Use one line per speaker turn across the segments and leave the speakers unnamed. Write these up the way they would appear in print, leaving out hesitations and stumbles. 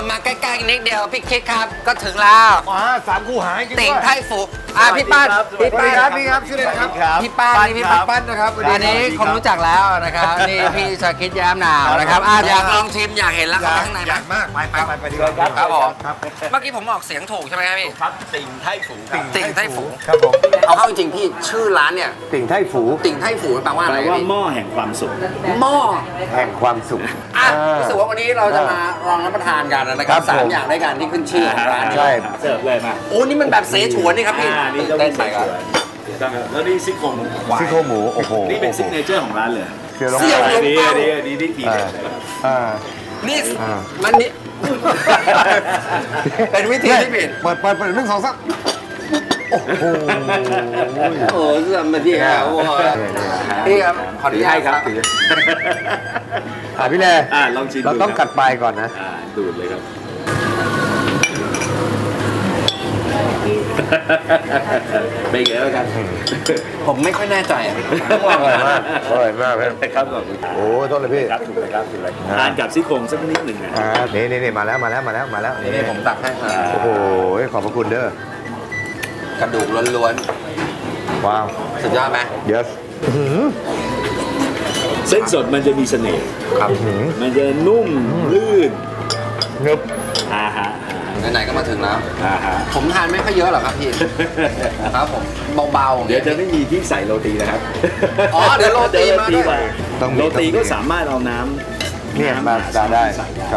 มาใกล้ๆนิดเดียวพี่คิดครับก็ถึงแล้ว
สามคู่หายจริง
ติ่ง
ด้วย
ไทฝูพี่ป้านพี่ป้าน
นี่ครับชื่ออะไรนะครับ
พี่ป้านนี่พี่ป้านนะครับอันนี้คงรู้จักแล้วนะครับนี่พี่ชาคิดแย้มหนาวนะครับอยากลองชิมอยากเห็นแล้วครับข้างใน
อยากมากไปดีกว่า
ครับผมเมื่อกี้ผมออกเสียงถูกใช่ไหมครับพี่
ครับติ่งไทฝู
ติ่งไทฝู
ครับผม
เอาเข้าจริงๆพี่ชื่อร้านเนี่ย
ติ่งไทฝู
ติ่งไทฝูแปลว่าอะไร
แปลว่า
พี่
หม้อแห่งความสุข
หม้อ
แห่งความสุข
รู้สึกว่าวันนี้เราจะมาลองรับประทานกันนะครับสามอย่างด้วยกันที่ขึ้นชื่อของร้านนี้
ใช่
เสิร์ฟเลยมา
โอ้นี่มันแบบเสฉวนนี่ครับพี่
นี่
ตื่น
ก็
เต้
เป็น น
ไป
ไส้
ครับ
แล้วนี่ซี่โครงควาย
ซี่โครงหมูโอ้โห
นี่เป็นซิกเนเจอร์ของร้านเลย
เคี่ยวลง
เสี่ยว
ไป
อันนี้ทีเด็ดเลย
นี่มันนี่ เป็นวิธีที่ผิด
เปิด1 2 3โอ้โห
โอ้เสื่อมมาที่ครับพี่ครับขออนุญาตครับ
พี่แล
ลองชิม
เราต้องกัดปลายก่อนนะ
ดูดเลยครับเป็นไงแล้วกัน
ผมไม่ค่อยแน่ใจอ่ะ
อร่อยมากอร่อยมาก
ครับผม
โอ้โทษเลยพี่
ครับถูกเลยครับถูกเลยทานกับซี่โครงสักนิดหนึ่งนะ
นี่มาแล้ว
นี่ผมตักให้ครับ
โอ้โหขอบพระคุณเด้อก
ระดูกล้วน
ว้าว
ๆสุดยอดไหม
yes
เส้นสดมันจะมีเสน่ห์
ครับ
มันจะนุ่มลื่น
เนึบ
ฮะ
ไหนๆก็มาถึงแล้ว
ฮะ
ผมทานไม่ค่อยเยอะหรอกครับพี่ครับผมเบาๆ
เดี๋ยวจะไม่มีที่ใส่โรตีนะครับ
อ๋อเดี๋ยวโรตีมาด้วย
ต้องมี
โรตีก็สามารถเอาน้ำ
เนี่ยมาได้
ใส่
ครับ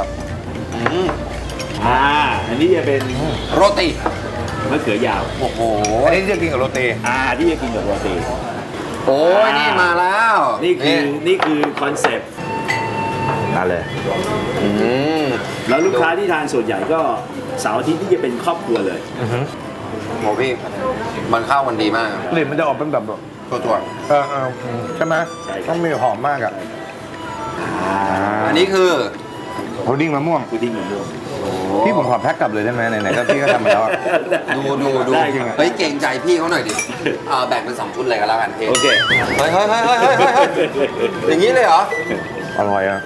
อันนี้จะเป็น
โรตี
มะเขือยาว
โอ้โห
อันนี้จะกินกับโรตี
ที่จะกินกับโรตี
โอ้ยนี่มาแล้ว
นี่คือคอนเซ็ปต์
นั่นเลย
แล้วลูกค้าที่ทานส่วนใหญ่ก็เสาร์อาทิตย์ที่จะเป็นครอบครัวเลย
โหพี่มันเข้ากันดีมาก
กลิ่นมันจะออกเป็นแบบ
ตัว
ใช่ไหม
ใช่ครับ
ต้องมีหอมมากอ่ะ
อันนี้คือ
พุดดิ้งมะม่วง
พุดดิ้งมะม่วง
พี่ผมขอแพ็คกลับเลยได้ไหมไหนๆก็พี่ก็ทำมาแล้วอะ
ดู
ได้ครับ
เฮ้ยเก่งใจพี่เขาหน่อยดิแบ่งเป็น2ชุดเลยก็แล้วกันพี่
โอเค
เฮ้ยอย่างนี้เลยเหรอ
อร่อยอ่ะ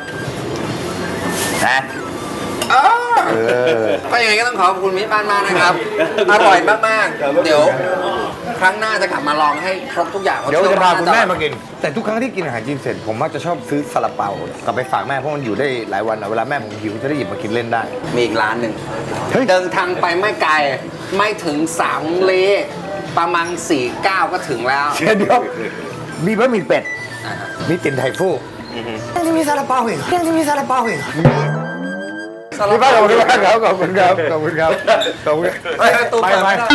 ก็ยังไงก็ต้องขอบคุณมิตรบ้านมากนะครับ อร่อยมากๆ เดี๋ยวครั้งหน้าจะกลับมาลองให้ครบทุกอย่าง
เดี๋ยวจะพาคุณแม่มากิน แต่ทุกครั้งที่กินอาหารจีนเสร็จผมมักจะชอบซื้อซาลาเปากลับไปฝากแม่เพราะมันอยู่ได้หลายวันอะเวลาแม่ผมหิวจะได้หยิบมากินเล่นได้
มีอีกร้านหนึ่ง
เฮ้ย
เดินทางไปไม่ไกลไม่ถึง3 เลประมาณ4-9 ก็ถึงแล้ว
เดี๋ยวมีบะหมี่เป็ด มีติ่นไทฟู่ยังจะมีซาลาเปาอีกพี่ป้าขอบคุณมากครับขอบคุณครับ
ไปตู้เปิดไม่ได้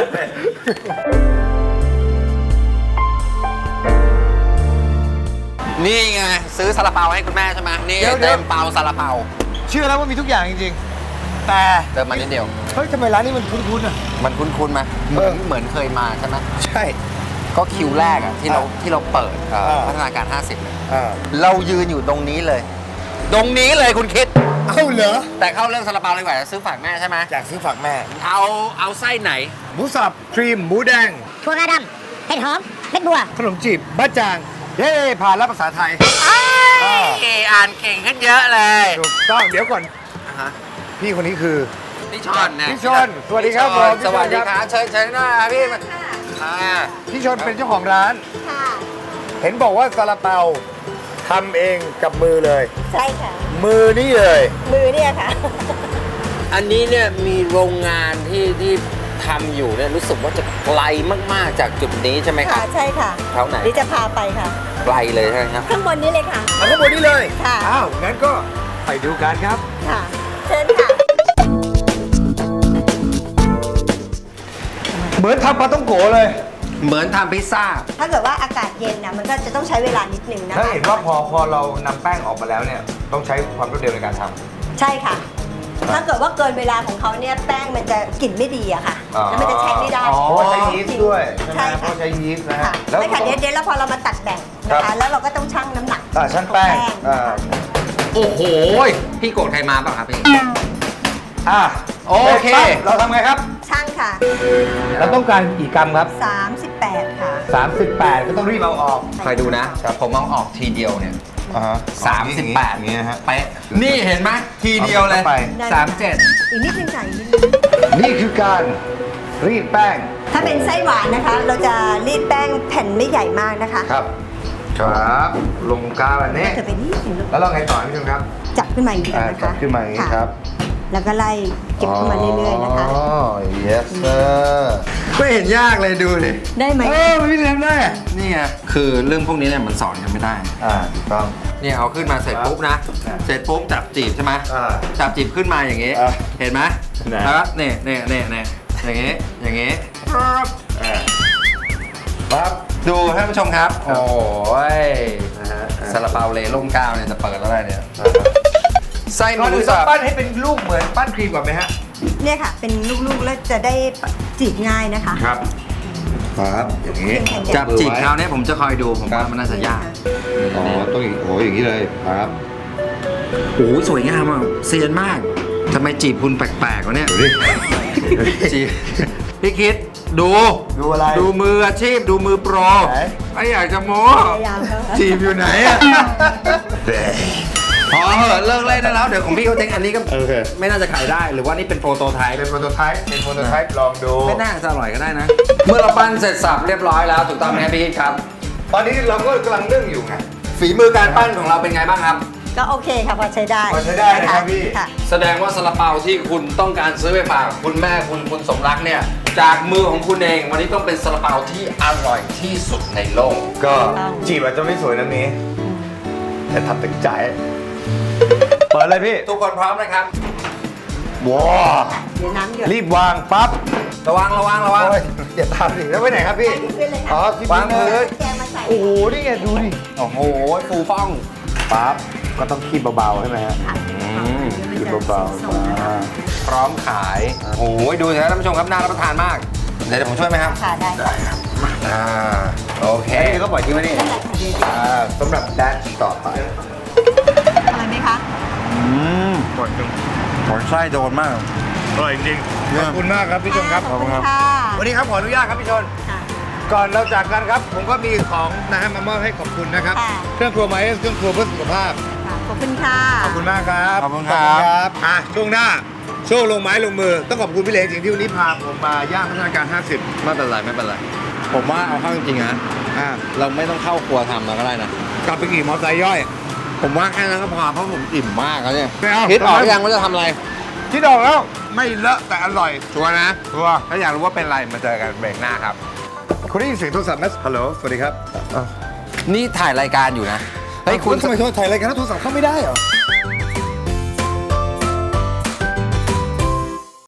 นี่ไงซื้อซาลาเปาให้คุณแม่ใช่ไหมนี่เต็มเปาซาลาเปา
เชื่อแล้วว่ามีทุกอย่างจริงๆ แต่
เดินมานิดเดียว
เฮ้ยทำไมร้านนี้มันคุ้นๆอ่ะ
มันคุ้นๆไหมเหมือนเคยมาใช่ไหม
ใช่
ก็คิวแรกอะที่เราเปิดพัฒนาการ 50เนี่ยเรายืนอยู่ตรงนี้เลย ตรงนี้เลยคุณคิด
เอ้าเหรอ
แต่เข้าเรื่องซาลาเปาเลยดีกว่าซื้อฝากแม่ใช่ไหม
อยากซื้อฝากแม่
เอาไส้ไหน
หมูสับครีมหมูแดง
ถั่วงาดำเห็ดหอมเม็ดบัว
ขนมจีบบ้าจางเย้ผ่านแล้วภาษาไทย
อ่านเก่งขึ้นเยอะเลย
ถูกต้องเดี๋ยวก่อนพี่คนนี้คือ
พี่ชอนนะ
พี่ชอนสวัสดีครับผม
สวัสดีครับเชิญหน้าพี่
พี่ชนเป็นเจ้าของร้าน
ค่ะ
เห็นบอกว่าซาลาเปาทำเองกับมือเลย
ใช่ค่ะ
มือนี่เลย
มือเนี่ยค่ะ
อันนี้เนี่ยมีโรงงานที่ทำอยู่เนี่ยรู้สึกว่าจะไกลมากๆจากจุดนี้ใช่ไหมค
ค่ะ
รับ
ใช่ค่ะ
แถวไหน
นี่จะพาไปค่ะ
ไกลเลยใช่ไหมครับ
ข้างบนนี้เลยค่ะ
เอาข้างบนนี้เลย
ค่ะ
อ้าวงั้นก็ไปดูกันครับ
ค่ะ เชิญค่ะ
เหมือนทำปลาต้องโกเลย
เหมือนทำพิซซ่า
ถ้าเกิดว่าอากาศเย็นนะมันก็จะต้องใช้เวลานิดนึงนะ
ถ้า
คะ
เห็นว่าพอเรานำแป้งออกมาแล้วเนี่ยต้องใช้ความรวดเร็วในการทำ
ใช่ค่ะ ถ้าเกิดว่าเกินเวลาของเขาเนี่ยแป้งมันจะกลิ่นไม่ดีอะค่ะ แล้วมันจะใช้ไม่ได้
อ๋อใช้ยีสต์ด้วย
ใช่
ไหมเพ
ค่ะ
ราะใช้ยีสต์นะ
ค่ะ
ฮะ
ไม่ค่ะเดี๋ยวแล้วพอเรามาตัดแบ่งนะคะ แล้วเราก็ต้องชั่งน้ำหนัก
ช่างแป้ง
นะคะ
โอ้โห พี่โกรธใครมาเปล่ะครับพี่ โอเค
เราทำไงครับ
ชั่งค่ะ
เราต้องการกี่กรัมครับ
38 ค่ะ
38 ก็ต้องรีบเอาออก
คอยดูนะ ผมเอาออกทีเดียวเนี่ย 38
อย่างเงี้ยฮะ
เป๊ะนี่เห็นไหมทีเดียวเลย
เอาไป
37
อีกนิดนึงค่ะอีกนิดนึง
นี่คือการรีดแป้ง
ถ้าเป็นไส้หวานนะคะ เราจะรีดแป้งแผ่นไม่ใหญ่มากนะคะ
ครับครับลงกาวแบบนี้
จะเป็นนิดนึง
แล้วเราไงต่อพี่ชมครับ
จับขึ้นมาอย่างนี้นะ
จั
คะ
บขึ้นมาอย่างนี้
ะ
ครับ
แล้วก็ไล่เก็บขึ้นมาเรื่อยๆนะคะ
อ๋อ yes sir ไม่เห็นยากเลยดูดิ
ได้ไหม
พี่เลี้ยงได้อะ
นี่ไงคือเรื่องพวกนี้เนี่ยมันสอนกันไม่ได้
ถูกต้อง
เนี่ยเอาขึ้นมาเสร็จปุ๊บนะ
ครับ
เสร็จปุ๊บจับจีบใช่ไหม
อ่า
จับจีบขึ้นมาอย่างงี้
อ่า
เห็นไหม
นะ
แล้วก็เนี่ยอย่างงี้ปั๊บ
ปั๊บ
ดูท่านผู้ชมครับ
ครับ
โอ้ย
นะฮะ
ซาลาเปาเลล่มก้าวเนี่ยจะเปิดแล้วได้เนี่ยไส้ห
ก่อน
มู
อื่นต้
สั
อง
บ
ปั้นให้เป็นลูกเหมือนปั้นครีมก่อนไหมฮะ
เนี่ยค่ะ เป็นลูกๆแล้วจะได้จีบง่ายนะคะ
ครับปั๊บอย่างนี้
จับจีบคราวนี้ผมจะคอยดูผมว่ามันน่าจะยาก
อ๋อต้องอย่างโอ้อย่างนี้เลยครับ
โอ้โหสวยงามอ่ะเซียนมากทำไมจีบคุณแปลกๆวะเนี่ย
ดูดิ
จีบพี่คิดดู
ดูอะไร
ดูมืออาชีพดูมือโปร
ไหน
ไม่อยากจะโม้
พยายามเข้าค่ะ
จีบอยู่ไหนอะพอเหอะเลิกเล่นได้แล้วเดี๋ยวของพี่เขาเจ๊งอันนี้ก็
โอเค
ไม่น่าจะขายได้หรือว่านี่เป็นโปรโตไทป์
เป็นโปรโตไทป์ลองดู
ไม่น่าจะอร่อยก็ได้นะ เมื่อเราปั้นเสร็จสับเรียบร้อยแล้วถูกต้องไหมครับพี่คิดครับ
ตอนนี้เราก็กำลังเรื่องอยู่ไง
ฝีมือการปั้นของเราเป็นไงบ้างครับ
ก็โอเคค่ะพอใช้ได้
พอใช้ได้นะครับพี่
ค่ะ
แสดงว่าซาลาเปาที่คุณต้องการซื้อไปฝากคุณแม่คุณสมรักเนี่ยจากมือของคุณเองวันนี้ต้องเป็นซาลาเปาที่อร่อยที่สุดในโลก
ก็จีบอาจจะไม่สวยนะนี้ แต่ทำตึงใจ เปิดเลยพี่
ทุกคนพร้อมนะครับ
ว้า
เดี๋ยวน้ำหยด
รีบวางปั๊บ
ระวัง
โอ้ยอย่าทำสิแล้วไปไหนครับพี่
ขึ้นเลยค่ะ
อ๋อที่
วางพื้น
แกงมาใส่
โอ้โห นี่ไงดูดิ
โอ้โหฟูฟ่อง
ปั๊บ ก็ต้องคีบเบาๆใช่ไหมฮะ
ค่ะ
คีบเบา
ส่งนะคะ
พร้อมขายโอ้โหดูสิครับท่านผู้ชมครับน่ารับประทานมาก เดี๋ยวผมช่วยไหมครับ
ค่ะได้ค่ะ
อ่าโอเค
แค่นี้ก็ปล่อยทิ้งไว้นี่
ได้ค่ะเดี๋ยว
สำหรับแดชต่อไป
อะไรไหมคะ
หมดจุง
หมดไส้โดนมาก
อร่อยจริงขอบคุณมากครับพี่ชมครับ
ขอบคุณค่ะ
วันนี้ครับขออนุญาตครับพี่ชน
ค่ะ
ก่อนเราจากกันครับ ผมก็มีของนะฮะมามอบให้ขอบคุณนะครับ
ค่ะ
เครื่องครัวไมเอสเครื่องครัวเพื่อสุขภาพ
ค่ะขอบคุณค่ะ
ขอบคุณมากครับ
ขอบคุณครับ
อ่ะช่วงหน้าช่วงลงไม้ลงมือ ต้องขอบคุณพี่เล็กจริงที่วันนี้พาผมมาย่างพัฒนาการ 50
ไม่เป็นไรไม่เป็นไร ผมว่าเอาเข้าจริงๆนะ
อ่ะ
เราไม่ต้องเข้าครัวทำแล้วก็ได้นะ
กลับไปขี่มอเตอร์ไซค์ย่อย
ผมว่าแค่นั้นก็พอเพราะผมอิ่มมากแล้วเนี่ย
ไม่เอา
คิดออกหรือยังว่าจะทำอะไร
ที่ดอกแล้วไม่เลอะแต่อร่อย
ชัวร์นะ
ชัวร์
ถ้าอยากรู้ว่าเป็นอะไรมาเจอกันเบรกหน้าครับ
คุณได้ยินเสียงโทรศัพท์ไหมฮัลโหลสวัสดีครับ
นี่ถ่ายรายการอยู่นะ เฮ้ยคุณ
ทำไมโทรถ่ายรายการแล้วโทรศัพท์เข้าไม่ได้เหรอ